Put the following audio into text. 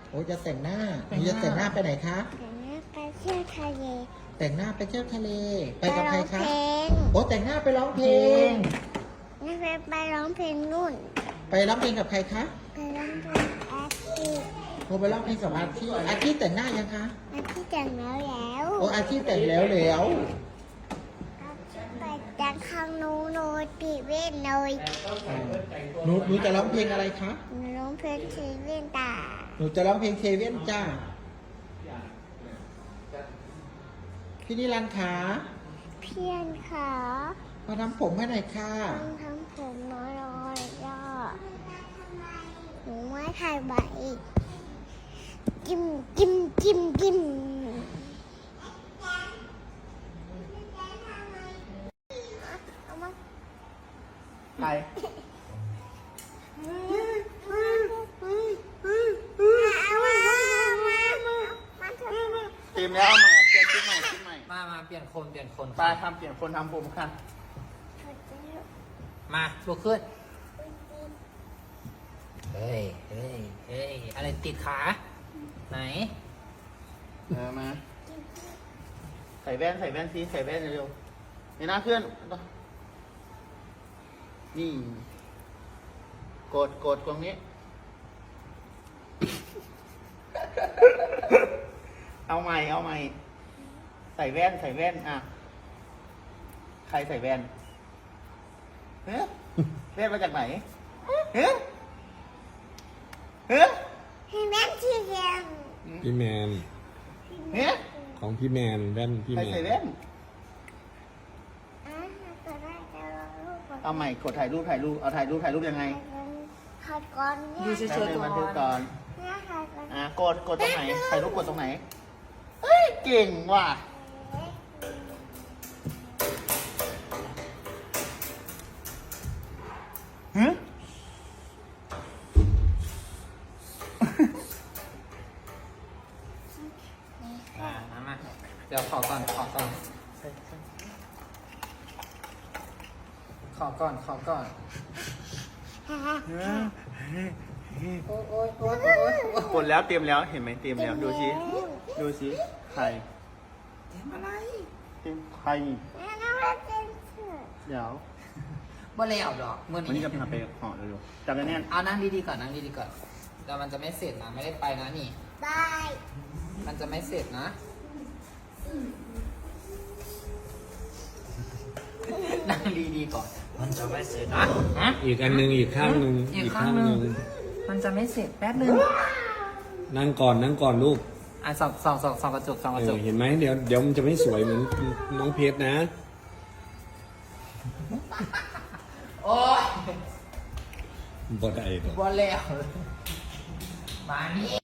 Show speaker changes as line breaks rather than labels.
โอ้จะแต่งหน้าหนูจะแต่งหน้าไปไหนคะ
ไปเที่ยวทะเล
แต่งหน้าไปเที่ยวทะเล ไปกับใครคะ
ไปร้องเพลง
โอ้แต่งหน้าไปร้องเพลง
นี่ไปร้องเพลงนู่น
ไปร้องเพลงกับใครคะ
ไปร้องเพลงแอปปี้
โอ้ไปร้องเพลงกับอาชีอาชีแต่งหน้ายังคะ
แอปปี้แต่งแล้วแล้ว
โอ้อาชีแต่งแล้วแล้ว
ไปแต่งข้างนู้นโนตีเว้นเลย
หนูจะร้องเพลงอะไรคะ
ร้องเพลงทีเว้นตา
หนูจะร้องเพลงเซเว่นจ้าพี่นิรันดร์ขา
เพียนขา
มาทำผมให้หน่อยค่ะ
ต้องทำผมน้อยๆย่อหนูไม่ถ่ายใบจิ้มจิ้มจิ้มจิ้มเอามา
ใครเตรียมแล้วเอาใหม่เปลี่ยนชุดใหม่ชุดใหม่
มาเปลี่ยนคน
ไปทำเปลี่ยนคนทำผมค่ะ
มาลุกขึ้น เฮ้ย อะไรติดขา ไหน
มาใส่แว่นสิใส่แว่นเร็วๆในหน้าเพื่อนนี่กดตรงนี้ เอาใหม่ใส่แว่นอ่ะใครใส่แว่นเฮ้ยแว่นมาจากไหนเฮ้ย
ให้แม่ที่เรียน
พี่แมน
เฮ้ย
ของพี่แมนแว่นพี่
ใคร
แม
ใส่
น
แว่น
จะได้จะรอรูปก่อน
เอาใหม่กดถ่ายรูปเอาถ่ายรูปยังไง
ถ่ายก่อนเนี่ย
ดูเฉย
แป๊บนึงบันทึกก่อน
เนี่ยถ่ายก่อน
กดตรงไหนถ่ายรูปกดตรงไหนเอ้ยเก่งว่ะฮะ
มาเดี๋ยวขอก่อน ขอก่อน โอ๊ย
กดแล้วเตรียมแล้วเห็นไหมเตรียมแล้วดูสิใคร
เต็มอะไร
เตรียมใคร
แม่น้องรักเป็นเสือ
เดี๋ยว
บ่แล้วดอกเมื่อ
วันนี้
นี้
จะพาไปห่อเร็วๆจับกันแน่น
เอานั่งดีๆก่อนแต่มันจะไม่เสร็จนะ ไม่ได้ไปนะนี่
บาย
มันจะไม่เสร็จนะ นั่งดีๆก่อน มันจะไม่เสร็จนะฮะ
อีกอันหนึงอีกข้างหนึ่ง
อีกข้างหนึ่ง มันจะไม่เสร็จแป๊บนึง
นั่งก่อนลูก
อ่ะส่องกระจก
เห็นไหมเดี๋ยวมันจะไม่สวยเหมือนน้องเพชรนะ
โอ๊ย
บ่ได้ดอก
บ่แล้วมานี่